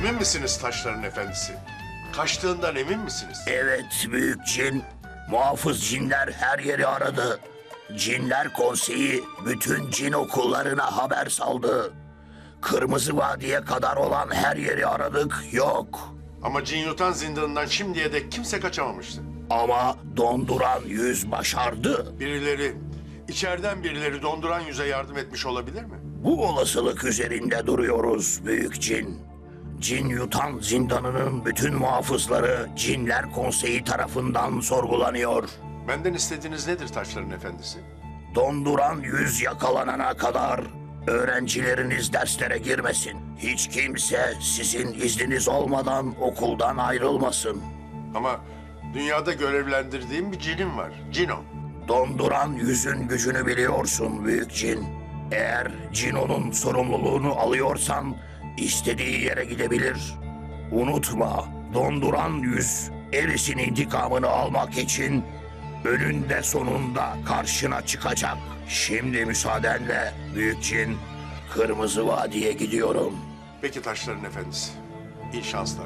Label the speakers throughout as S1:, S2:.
S1: Emin misiniz taşların efendisi? Kaçtığından emin misiniz?
S2: Evet büyük cin. Muhafız cinler her yeri aradı. Cinler Konseyi bütün cin okullarına haber saldı. Kırmızı Vadi'ye kadar olan her yeri aradık, yok.
S1: Ama cin yutan zindanından şimdiye dek kimse kaçamamıştı.
S2: Ama donduran yüz başardı.
S1: İçeriden birileri donduran yüze yardım etmiş olabilir mi?
S2: Bu olasılık üzerinde duruyoruz büyük cin. Cin yutan zindanının bütün muhafızları Cinler Konseyi tarafından sorgulanıyor.
S1: Benden istediğiniz nedir taşların efendisi?
S2: Donduran yüz yakalanana kadar öğrencileriniz derslere girmesin. Hiç kimse sizin izniniz olmadan okuldan ayrılmasın.
S1: Ama dünyada görevlendirdiğim bir cinim var. Cino.
S2: Donduran yüzün gücünü biliyorsun büyük cin. Eğer Cino'nun sorumluluğunu alıyorsan istediği yere gidebilir. Unutma, donduran yüz Eris'in intikamını almak için önünde sonunda karşına çıkacak. Şimdi müsaadenle büyük cin, Kırmızı Vadi'ye gidiyorum.
S1: Peki taşların efendisi. İyi şanslar.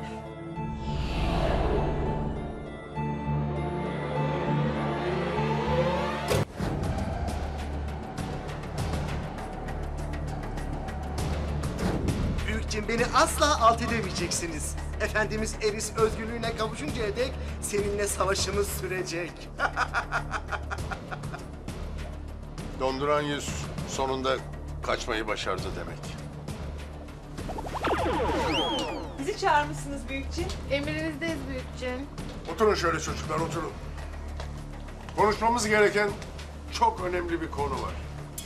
S3: Büyük cin, beni asla alt edemeyeceksiniz. Efendimiz Eris özgürlüğüne kavuşuncaya dek seninle savaşımız sürecek.
S1: Donduran yüz sonunda kaçmayı başardı demek.
S4: Bizi çağırmışsınız büyük cin.
S5: Emrinizdeyiz büyük cin.
S1: Oturun şöyle çocuklar, oturun. Konuşmamız gereken çok önemli bir konu var.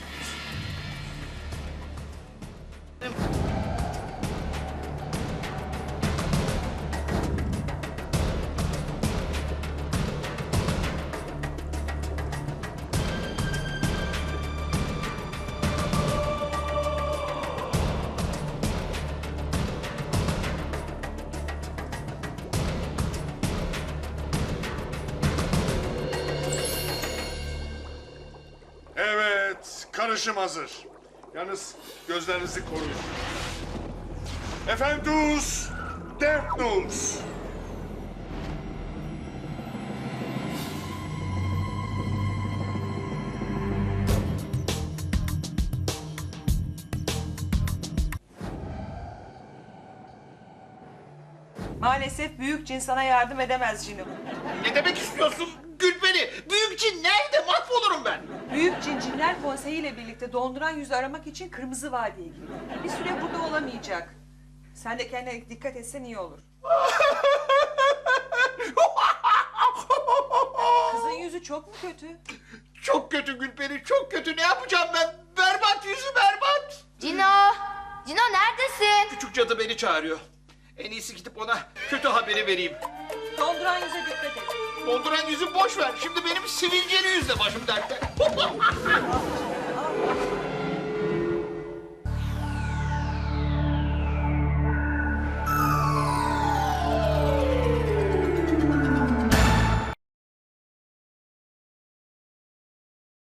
S1: Evet, karışım hazır. Yalnız gözlerinizi koruyun. Efendus Defnus.
S4: Maalesef büyük cin sana yardım edemez cinim.
S6: Ne demek istiyorsun Gülperi? Büyük cin nerede? Mahvolurum ben.
S4: Büyük cin Cinler Konseyi ile birlikte donduran yüzü aramak için Kırmızı Vadi'ye gitti. Bir süre burada olamayacak. Sen de kendine dikkat etsen iyi olur. Kızın yüzü çok mu kötü?
S6: Çok kötü Gülperi, çok kötü. Ne yapacağım ben? Berbat yüzü berbat.
S5: Cino! Cino neredesin?
S6: Küçük cadı beni çağırıyor. En iyisi gidip ona kötü haberi vereyim.
S4: Donduran yüze dikkat et.
S6: Donduran yüzü boş ver. Şimdi benim sivilceli yüzle başım dertte.